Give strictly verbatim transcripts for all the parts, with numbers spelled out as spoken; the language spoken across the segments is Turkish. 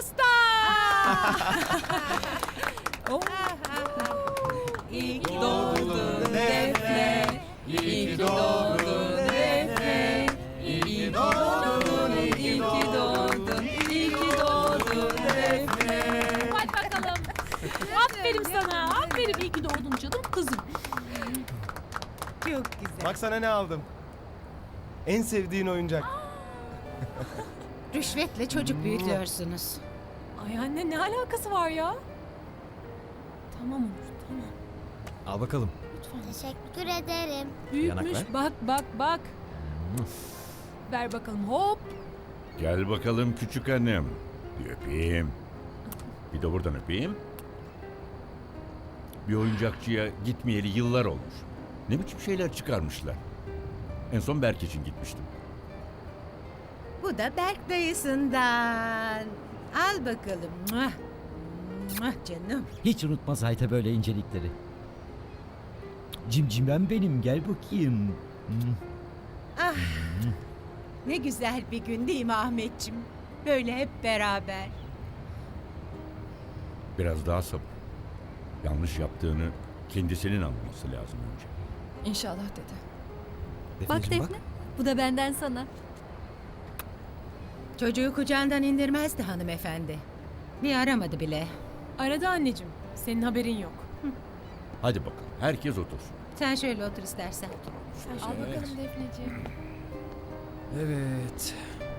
pasta. Oh. İyi ki doğdun Defne. İyi ki doğdun Defne. İyi ki doğdun, iyi ki doğdun, iyi ki doğdun Defne. Hadi bakalım. Aferin sana. Aferin, iyi ki doğdun canım kızım. Çok güzel. Bak sana ne aldım. En sevdiğin oyuncak. Rüşvetle çocuk büyütüyorsunuz. Ay anne, ne alakası var ya? Tamam Onur, tamam. Al bakalım. Lütfen. Teşekkür ederim. Büyütmüş. Yanak ver. Bak bak bak. Ver bakalım, hop. Gel bakalım küçük hanım. Bir öpeyim. Bir de buradan öpeyim. Bir oyuncakçıya gitmeyeli yıllar olmuş. Ne biçim şeyler çıkarmışlar. En son Berk için gitmiştim. Bu da Berk dayısından. Al bakalım. Muah. Muah canım. Hiç unutmaz Hayta böyle incelikleri. Cimcimem benim, gel bakayım. Hmm. Ah. Ne güzel bir gün değil mi Ahmetciğim? Böyle hep beraber. Biraz daha sabır. Yanlış yaptığını kendisinin anlaması lazım önce. İnşallah dede. Bak Defneciğim, Defne, bu da benden sana. Çocuğu kucağından indirmezdi hanımefendi. Bir aramadı bile. Aradı anneciğim. Senin haberin yok. Hadi bakalım herkes otursun. Sen şöyle otur istersen. Al bakalım Defneciğim. Evet.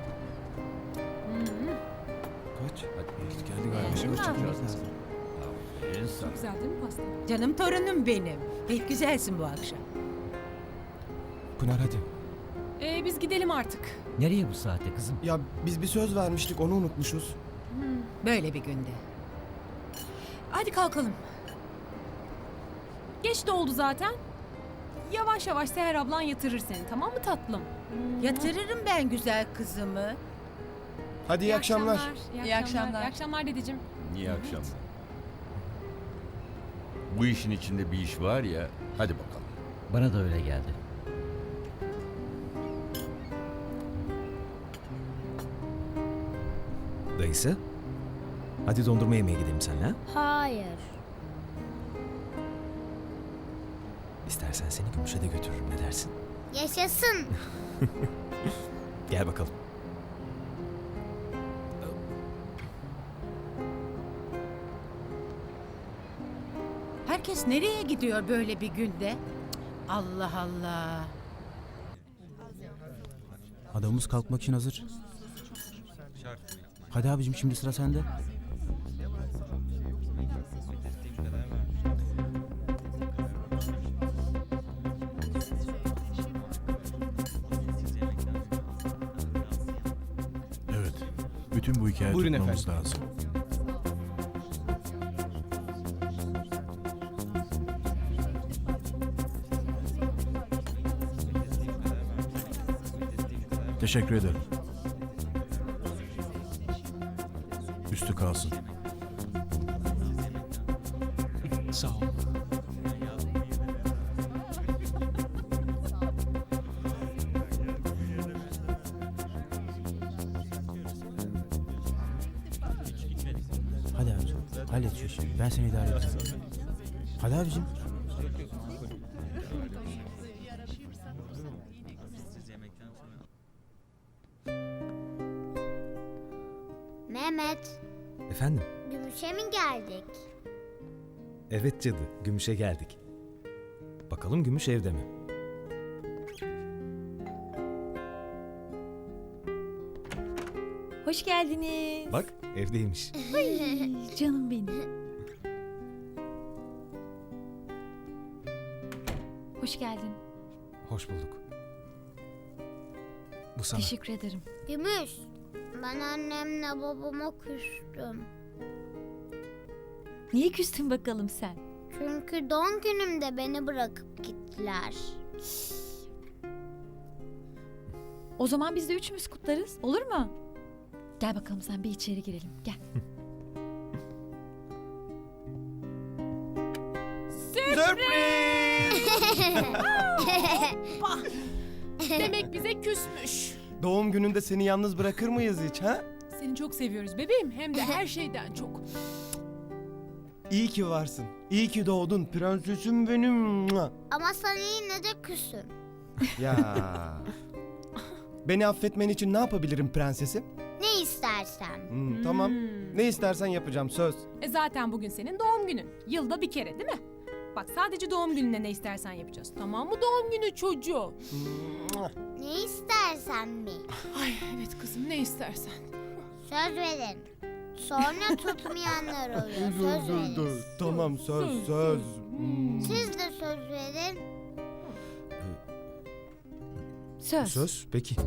Kaç? Hadi. Geldi galiba. Beğendin mi Çıkacağız Ahmet? lazım. Aferin sana. Güzel değil mi pasta? Canım torunum benim. Pek güzelsin bu akşam. Pınar hadi. Ee, biz gidelim artık. Nereye bu saatte kızım? Ya biz bir söz vermiştik onu unutmuşuz. Böyle bir günde. Hadi kalkalım. Geç de oldu zaten. Yavaş yavaş Seher ablan yatırır seni, tamam mı tatlım? Yatırırım ben güzel kızımı. Hadi iyi, akşamlar. İyi akşamlar. İyi akşamlar dedeciğim. İyi akşamlar. Bu işin içinde bir iş var ya, hadi bakalım. Bana da öyle geldi. Dayısı, hadi dondurma yemeye gidelim seninle. ha? Hayır. İstersen seni Gümüş'e de götürürüm, ne dersin? Yaşasın. Gel bakalım. Herkes nereye gidiyor böyle bir günde? Cık, Allah Allah. Adamımız kalkmak için hazır. Hadi abicim, şimdi sıra sende. Evet. Bütün bu hikayeyi Buyurun tutmamız lazım. Teşekkür ederim. Üstü kalsın. Sağ ol. Hadi abicim, hallet şu işi. Ben seni idare edeceğim. Hadi abicim. Mehmet, Efendim? Gümüş'e mi geldik? Evet cadı, Gümüş'e geldik. Bakalım Gümüş evde mi? Hoş geldiniz. Bak, evdeymiş. Canım benim. Hoş geldin. Hoş bulduk. Bu sana. Teşekkür ederim. Gümüş, ben annemle babama küstüm. Niye küstün bakalım sen? Çünkü doğum günümde beni bırakıp gittiler. O zaman biz de üçümüz kutlarız. Olur mu? Gel bakalım, sen bir içeri girelim. Gel. Sürpriz! Demek bize küsmüş. Doğum gününde seni yalnız bırakır mıyız hiç ha? Seni çok seviyoruz bebeğim. Hem de her şeyden çok. İyi ki varsın. İyi ki doğdun prensesim benim. Mua. Ama sana yine de küsüm. Ya. Beni affetmen için ne yapabilirim prensesim? Ne istersen. Hmm, tamam. Ne istersen yapacağım söz. E zaten bugün senin doğum günün. Yılda bir kere değil mi? Bak sadece doğum gününe ne istersen yapacağız. Tamam mı doğum günü çocuğu? Mua. Ne istersen mi? Ay evet kızım ne istersen. Söz verin. Sonra tutmayanlar oluyor. Söz verin. Tamam söz Söz, söz. söz. Hmm. Siz de söz verin. Söz. Söz peki.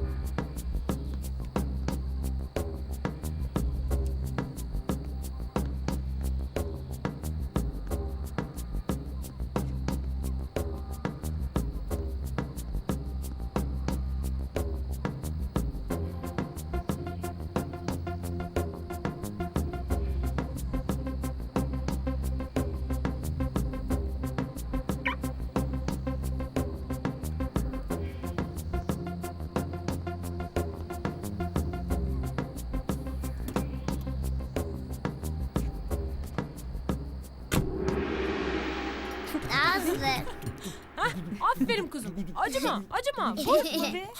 Nazlı. Aferin kızım. Acıma, acıma. Korkma be.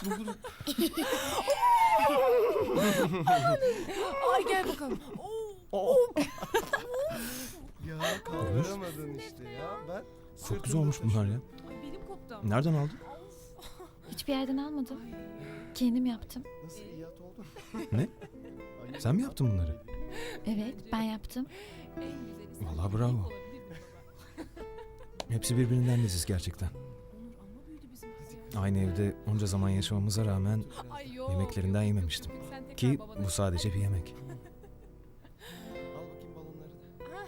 Ay gel bakalım. Oo. Ya kaldıramadın işte ya. Ben Çok güzel olmuş bunlar ya. Ay benim koptu. Nereden aldın? Hiçbir yerden almadım. Kendim yaptım. Nasıl icat oldun? Ne? Ay, Sen mi yaptın bunları? Evet, ben yaptım. En güzeli Vallahi sensin. bravo. Olabilir mi baba? Hepsi birbirinden leziz gerçekten. Onur amma büyüdü bizim kız ya. Aynı evde onca zaman yaşamamıza rağmen Ay yok, yemeklerinden yok, yok, yememiştim. yok. Sen tekrar Ki babana- bu sadece bir yemek. Al bakayım balonları da.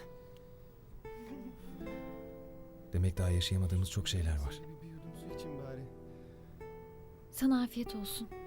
Demek daha yaşayamadığımız çok şeyler var. Şöyle bir, bir yudum su için bari. Sana afiyet olsun.